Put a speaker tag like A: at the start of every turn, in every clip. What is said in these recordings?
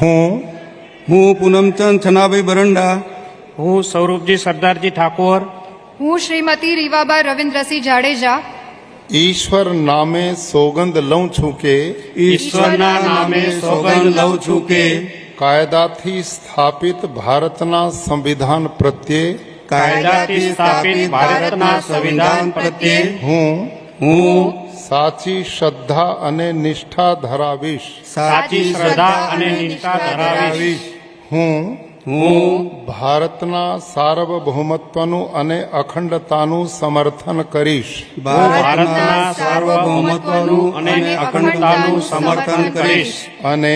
A: હું પૂનમચંદ છનાભાઈ બરંડા,
B: હું સ્વરૂપજી સરદારજી ઠાકોર,
C: હું શ્રીમતી રીવાબા રવિન્દ્રસિંહ જાડેજા
D: ઈશ્વર નામે સોગંદ લઉં છું કે
A: ઈશ્વરના નામે સોગંદ લઉં છું કે
D: કાયદાથી સ્થાપિત ભારતના સંવિધાન પ્રત્યે
B: કાયદાથી સ્થાપિત ભારતના સંવિધાન પ્રત્યે
D: હું સાચી શ્રદ્ધા અને નિષ્ઠા ધરાવીશ.
B: સાચી શ્રદ્ધા અને નિષ્ઠા ધરાવીશ.
D: હું
A: હું
D: ભારતના સાર્વભૌમત્વનું અને અખંડતાનું સમર્થન કરીશ.
B: ભારતના સાર્વભૌમત્વનું અને અખંડતાનું સમર્થન કરીશ.
D: અને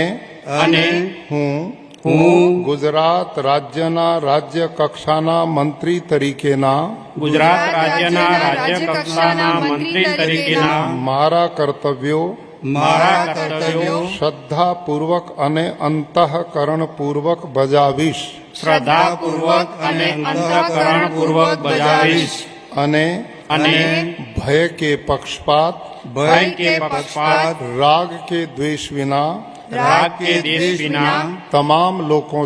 D: હું ગુજરાત રાજ્યના રાજ્ય કક્ષાના મંત્રી તરીકેના
B: ગુજરાત રાજ્યના રાજ્ય કક્ષાના મંત્રી તરીકેના
D: મારા કર્તવ્યો શ્રદ્ધાપૂર્વક અને અંતઃકરણપૂર્વક બજાવીશ.
B: શ્રદ્ધાપૂર્વક અને અંતઃકરણપૂર્વક બજાવીશ.
D: અને ભય કે પક્ષપાત રાગ કે દ્વેષ વિના તમામ લોકો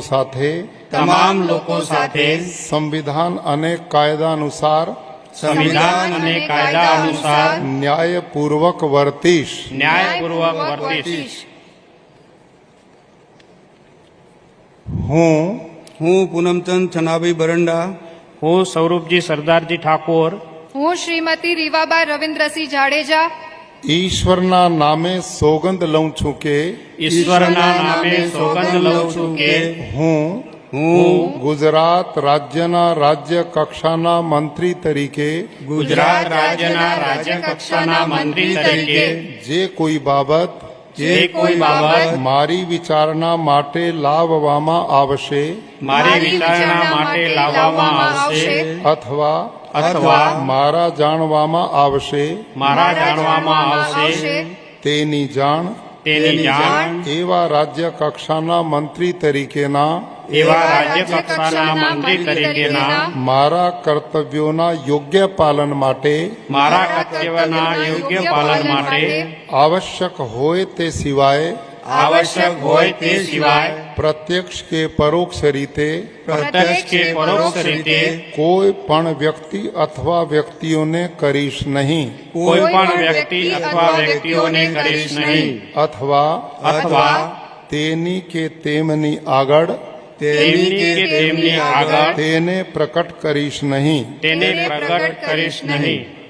D: સાથે સંવિધાન અને કાયદા અનુસાર ન્યાયપૂર્વક વર્તીશ.
A: હું પૂનમચંદ છનાભાઈ બરંડા,
B: હું સ્વરૂપજી સરદારજી ઠાકોર,
C: હું શ્રીમતી રીવાબા રવિન્દ્રસિંહ જાડેજા
D: ઈશ્વરના નામે સોગંદ લઉં છું કે
B: ઈશ્વરના નામે સોગંદ લઉં છું કે
D: હું ગુજરાત રાજ્યના રાજ્ય કક્ષાના મંત્રી તરીકે
B: ગુજરાત રાજ્યના રાજ્ય કક્ષાના મંત્રી તરીકે
D: જે કોઈ બાબત મારી વિચારણા માટે લાવવામાં આવશે અથવા મારા જાણવામાં આવશે તેની જાણ એવા રાજ્ય કક્ષાના મંત્રી તરીકેના મારા કર્તવ્યોના યોગ્ય પાલન માટે આવશ્યક હોય તે સિવાય પ્રત્યક્ષ કે પરોક્ષ રીતે કોઈ પણ વ્યક્તિ અથવા વ્યક્તિઓને કરીશ નહીં. અથવા તેની કે તેમની આગળ તેને પ્રકટ કરીશ નહીં.